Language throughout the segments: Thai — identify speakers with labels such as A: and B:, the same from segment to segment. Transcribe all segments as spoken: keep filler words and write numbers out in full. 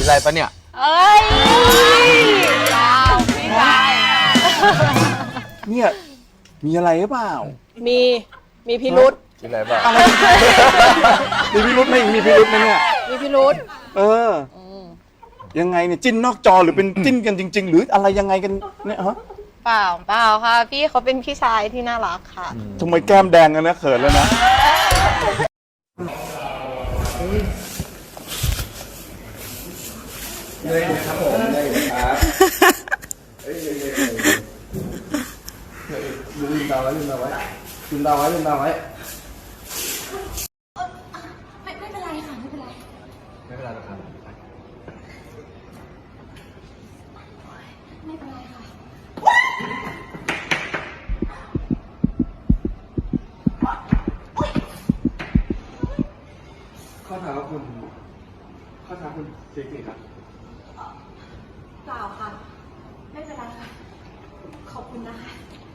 A: มีอะไรปะเนี่ย
B: เอ้ยดาวพี่ชาย
C: เนี่ยมีอะไรหรือเปล่า
B: มีมีพิรุษ
A: มีอะไรบ้าง
C: มีพิรุษไหมมีพิรุษไหมเนี่ย
B: มีพิรุษ
C: เออยังไงเนี่ยจิ้นนอกจอหรือเป็นจิ้นกันจริงๆหรืออะไรยังไงกันเนี่ยฮะ
B: เปล่าเปล่าค่ะพี่เขาเป็นพี่ชายที่น่ารักค่ะ
C: ทำไมแก้มแดงกันนะเขินแล้วนะ
A: เลยครับผมเลยครับเฮ้ยลืมตาไว้ลืมตาไว้ลืมตาไว้ลืมตาไว้
D: ไม่ไม่เป็นไรค่ะไม่เป็นไร
A: ไม่เป็นไรหรอกครับ
D: ไม่เป็นไรค่ะ
A: ข้อเท้าคุณข้อเท้าคุณเจ๊ๆครับ
D: เปล่าค่ะไม่เป็นไรค่ะขอบคุณนะคะ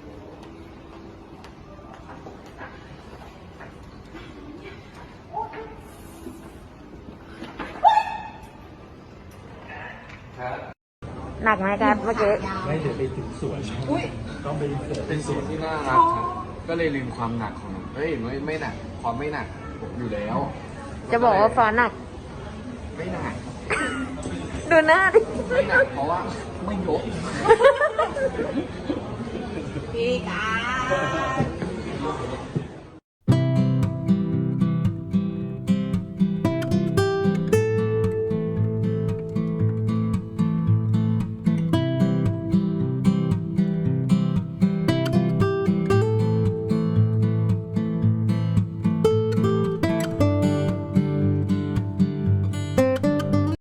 B: หนักไหมครับเมื่อกี้
A: ไม่เดี๋ยวไปถึงสวนต้องไปเป็นสวนที่น่ารักครับก็เลยลืมความหนักของเฮ้ยไม่ไม่หนักความไม่หนักอยู่แล้ว
B: จะบอกว่าฟ้าหนัก
A: ไม่หนัก
B: ดูหน้าดิ
A: ไม่หนักเพราะว่าไม่ยก
B: พี่กา